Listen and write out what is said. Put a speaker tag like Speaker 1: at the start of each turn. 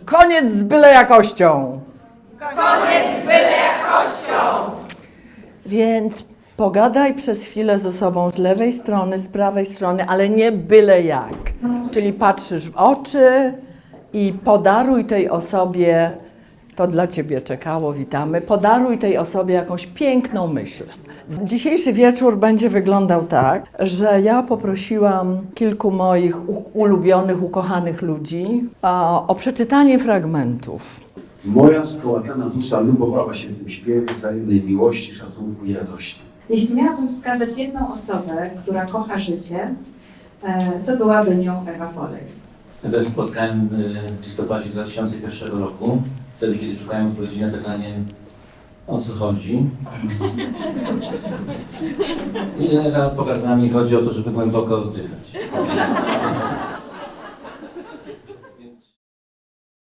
Speaker 1: Koniec z byle jakością.
Speaker 2: Koniec z byle jakością.
Speaker 1: Więc pogadaj przez chwilę ze sobą z lewej strony, z prawej strony, ale nie byle jak. Czyli patrzysz w oczy i podaruj tej osobie, to dla Ciebie czekało, witamy, podaruj tej osobie jakąś piękną myśl. Dzisiejszy wieczór będzie wyglądał tak, że ja poprosiłam kilku moich ulubionych, ukochanych ludzi o przeczytanie fragmentów.
Speaker 3: Moja skołatana dusza lubowała się w tym śpiewie wzajemnej miłości, szacunku i radości.
Speaker 4: Jeśli miałabym wskazać jedną osobę, która kocha życie, to byłaby nią Ewa Folej.
Speaker 5: Ja też spotkałem w listopadzie 2001 roku, wtedy kiedy szukałem odpowiedzi na pytanie, o co chodzi. I Ewa pokazała mi, chodzi o to, żeby głęboko oddychać.